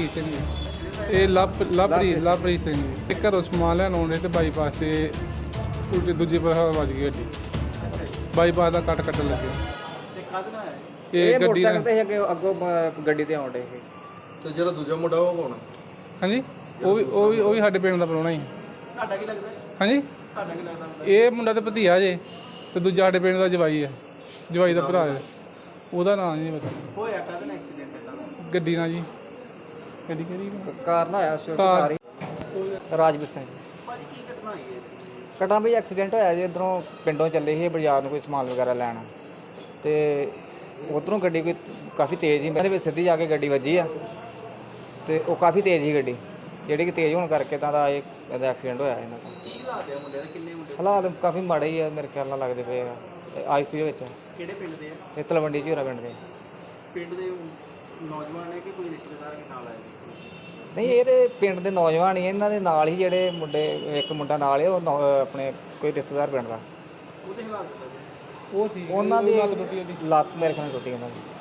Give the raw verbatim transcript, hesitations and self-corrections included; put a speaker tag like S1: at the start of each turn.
S1: ਮਲਕੀਤ ਸਿੰਘ ਜੀ। ਇਹ ਲਵ ਲਵਪ੍ਰੀਤ ਲਵਪ੍ਰੀਤ ਸਿੰਘ ਜੀ। ਇਹ ਘਰੋਂ ਸਮਾਨ ਲੈਣ ਆਉਂਦੇ ਤੇ ਬਾਈਪਾਸ ਤੇ ਉਲਟੇ ਦੂਜੇ ਪਾਸੇ ਵੱਜ ਗਈ ਗੱਡੀ। ਬਾਈਪਾਸ ਦਾ ਕੱਟ ਕੱਟਣ ਲੱਗਿਆ।
S2: ਤੇ ਕਾਹਦੇ ਨਾਲ ਆਇਆ
S1: ਇਹ ਗੱਡੀ ਨਾਲ
S3: ਤੇ ਅੱਗੇ ਅੱਗੋਂ ਬ- ਗੱਡੀ ਤੇ ਆਉਂਦੇ ਇਹ
S2: ਤੇ ਜਿਹੜਾ ਦੂਜਾ ਮੁੰਡਾ ਉਹ ਕੌਣ?
S1: ਹਾਂਜੀ ਉਹ ਵੀ ਉਹ ਵੀ ਉਹ ਵੀ ਸਾਡੇ ਪਿੰਡ ਦਾ ਪ੍ਰਾਹੁਣਾ ਹੀ।
S2: ਤੁਹਾਡਾ ਕੀ ਲੱਗਦਾ?
S1: ਹਾਂਜੀ
S2: ਤੁਹਾਡਾ ਕੀ ਲੱਗਦਾ?
S1: ਇਹ ਮੁੰਡਾ ਤੇ ਭਤੀਆ ਜੇ ਤੇ ਦੂਜਾ ਸਾਡੇ ਪਿੰਡ ਦਾ ਜਵਾਈ ਹੈ, ਜਵਾਈ ਦਾ ਭਰਾ ਹੈ। ਉਹਦਾ ਨਾਂ ਨਹੀਂ ਪਤਾ।
S2: ਹੋਇਆ ਕਾਹਦੇ ਨਾਲ ਐਕਸੀਡੈਂਟ ਇਹਦਾ?
S1: ਗੱਡੀ ਨਾਲ ਜੀ। ਗੱਡੀ ਕਿਹੜੀ
S3: ਕਾਰ ਨਾ ਆਇਆ ਉਸ
S1: ਕਾਰ।
S3: ਰਾਜਵੀਰ ਸਿੰਘ
S2: ਭਾਜੀ ਕੀ ਘਟਨਾ ਹੋਈ ਹੈ?
S3: ਕਟਾ ਵੀ ਐਕਸੀਡੈਂਟ ਹੋਇਆ ਜੀ। ਇੱਧਰੋਂ ਪਿੰਡੋਂ ਚੱਲੇ ਸੀ ਬਾਜ਼ਾਰ ਨੂੰ ਕੋਈ ਸਮਾਨ ਵਗੈਰਾ ਲੈਣ, ਤੇ ਉੱਧਰੋਂ ਗੱਡੀ ਕੋਈ ਕਾਫੀ ਤੇਜ਼ ਸੀ, ਮੇਰੇ ਵਿੱਚ ਸਿੱਧੀ ਜਾ ਕੇ ਗੱਡੀ ਵੱਜੀ ਆ। ਤੇ ਉਹ ਕਾਫੀ ਤੇਜ਼ ਸੀ ਗੱਡੀ, ਜਿਹੜੀ ਕਿ ਤੇਜ਼ ਹੋਣ ਕਰਕੇ ਤਾਂ ਦਾ ਇਹ ਇਹਦਾ ਐਕਸੀਡੈਂਟ ਹੋਇਆ ਇਹਨਾਂ ਦਾ।
S2: ਕੀ ਹਾਲਾਤ ਹੈ ਮੁੰਡੇ ਦੇ? ਕਿੰਨੇ ਮੁੰਡੇ?
S3: ਹਾਲਾਤ ਕਾਫੀ ਮਾੜੇ ਹੀ ਆ ਮੇਰੇ ਖਿਆਲ ਨਾਲ ਲੱਗਦੇ ਪਏ ਆ। ਆਈ ਸੀ ਯੂ ਵਿੱਚ
S2: ਕਿਹੜੇ ਪਿੰਡ ਦੇ ਆ?
S3: ਇਹ ਤਲਵੰਡੀ ਝੂਰਾ ਪਿੰਡ ਦੇ।
S2: ਪਿੰਡ ਦੇ ਨੌਜਵਾਨ ਨੇ ਕਿ ਕੋਈ ਰਿਸ਼ਤੇਦਾਰ ਦੇ ਨਾਲ ਆਏ?
S3: ਨਹੀਂ, ਇਹ ਤੇ ਪਿੰਡ ਦੇ ਨੌਜਵਾਨ ਹੀ ਆ, ਇਹਨਾਂ ਦੇ ਨਾਲ ਹੀ ਜਿਹੜੇ ਮੁੰਡੇ, ਇੱਕ ਮੁੰਡਾ ਨਾਲ ਹੈ ਉਹ ਨੌ- ਆਪਣੇ ਕੋਈ ਰਿਸ਼ਤੇਦਾਰ ਪਿੰਡ ਦਾ।
S2: ਉਹਦੇ ਹਾਲਾਤ ਦੱਸੋ ਜੀ।
S1: ਉਹ ਸੀ
S3: ਉਹਨਾਂ ਦੀ
S1: ਲੱਤ ਟੁੱਟੀ ਉਹਦੀ।
S3: ਲੱਤ ਮੇਰੇ ਖਿਆਲ ਨਾਲ ਟੁੱਟੀ ਉਹਨਾਂ ਦੀ।